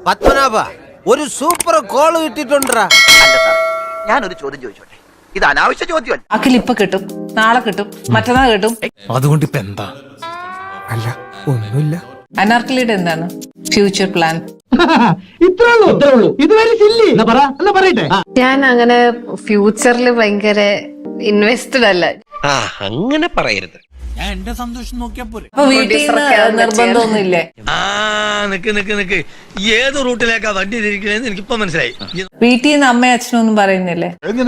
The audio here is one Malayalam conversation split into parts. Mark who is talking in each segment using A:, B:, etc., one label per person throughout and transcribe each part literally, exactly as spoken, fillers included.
A: പത്മനാഭ ഒരു സൂപ്പർ കോള് കിട്ടിട്ടുണ്ടാ.
B: അല്ല സാറേ, ഞാനൊരു ചോദ്യം ചോദിച്ചോട്ടെ. ഇത് അനാവശ്യ ചോദ്യമല്ല.
C: അഖിൽ ഇപ്പൊ കിട്ടും, നാളെ കിട്ടും, മറ്റന്നാൾ കിട്ടും.
D: അതുകൊണ്ട് ഇപ്പൊ എന്താ? അല്ല ഒന്നുമില്ല.
C: അനാർക്കലിയുടെ എന്താണ് ഫ്യൂച്ചർ പ്ലാൻ?
E: ഞാൻ അങ്ങനെ ഫ്യൂച്ചറിൽ ഭയങ്കര ഇൻവെസ്റ്റഡ് അല്ല.
A: അങ്ങനെ പറയരുത്.
C: അപ്പൊ വീട്ടിൽ നിന്ന് നിർബന്ധമൊന്നുമില്ലേ?
F: ആ നിക്ക് നിക്ക് നിക്ക് ഏത് റൂട്ടിലേക്കാ വണ്ടി തിരിക്കണേന്ന് എനിക്കിപ്പോ മനസ്സിലായി.
C: വീട്ടിൽ നിന്ന് അമ്മയും അച്ഛനും ഒന്നും പറയുന്നില്ലേ?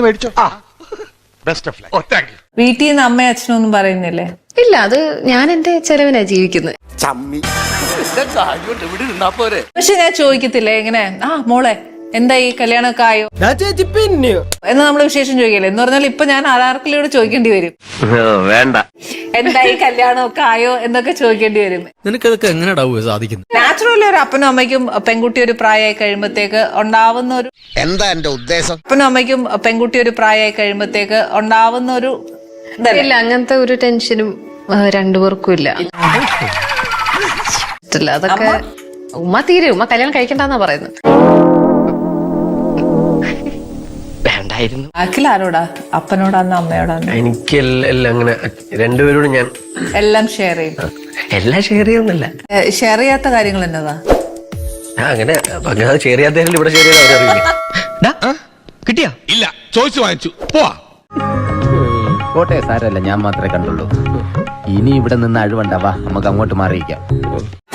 C: വീട്ടിൽ നിന്ന് അമ്മയും അച്ഛനും ഒന്നും പറയുന്നില്ലേ?
E: ഇല്ല, അത് ഞാൻ എന്റെ ചെലവിനാ ജീവിക്കുന്നത്.
C: പക്ഷെ ഞാൻ ചോദിക്കത്തില്ലേ ഇങ്ങനെ, ആ മോളെ എന്തായി കല്യാണമൊക്കെ ആയോ എന്ന് നമ്മള് വിശേഷം ചോദിക്കല്ലേ? എന്ന് പറഞ്ഞാൽ ഇപ്പൊ ഞാൻ ആരാർക്കിലൂടെ ചോദിക്കേണ്ടി വരും,
A: വേണ്ട
C: എന്തായി കല്യാണമൊക്കെ ആയോ എന്നൊക്കെ ചോദിക്കേണ്ടി വരും.
D: നിനക്കതൊക്കെ എങ്ങനെയാ സാധിക്കുന്നത്?
C: നാച്ചുറലി ഒരു അപ്പനും അമ്മയ്ക്കും പെൺകുട്ടി ഒരു പ്രായമായി കഴിയുമ്പോഴത്തേക്ക് ഉണ്ടാവുന്ന ഒരു
A: എന്താ എന്റെ ഉദ്ദേശം?
C: അപ്പനും അമ്മയ്ക്കും പെൺകുട്ടി ഒരു പ്രായമായി കഴിയുമ്പോഴത്തേക്ക് ഉണ്ടാവുന്ന ഒരു
E: ഇല്ല, അങ്ങനത്തെ ഒരു ടെൻഷനും രണ്ടുപേർക്കും ഇല്ല. ഇഷ്ടല്ല അതൊക്കെ. ഉമ്മ തീരെ ഉമ്മ കല്യാണം കഴിക്കണ്ടെന്നാ പറയുന്നത്.
A: വേണ്ടായിരുന്നു.
C: അഖിൽ ആരോടാ? അപ്പനോടാന്ന് അമ്മയോടാന്ന്?
G: എനിക്ക് എല്ലാം അങ്ങനെ രണ്ടുപേരോടും ഞാൻ
C: എല്ലാം ഷെയർ ചെയ്യും.
G: എല്ലാം ഷെയർ ചെയ്യുന്നില്ല.
C: ഷെയർ ചെയ്യാത്ത കാര്യങ്ങൾ എന്നതാ?
G: അങ്ങനെ അങ്ങനെ ഷെയർ ചെയ്യാത്ത ഇവിടെ ഷെയർ ചെയ്ത് അവരറിയില്ല.
D: കിട്ടിയാ?
H: ഇല്ല, ചോദിച്ചു വാങ്ങിച്ചു പോവാ.
I: കോട്ടെ സാരല്ല, ഞാൻ മാത്രമേ കണ്ടുള്ളൂ. ഇനി ഇവിടെ നിന്ന് അഴിവണ്ടാവാ, നമുക്ക് അങ്ങോട്ട് മാറിയിക്കാം.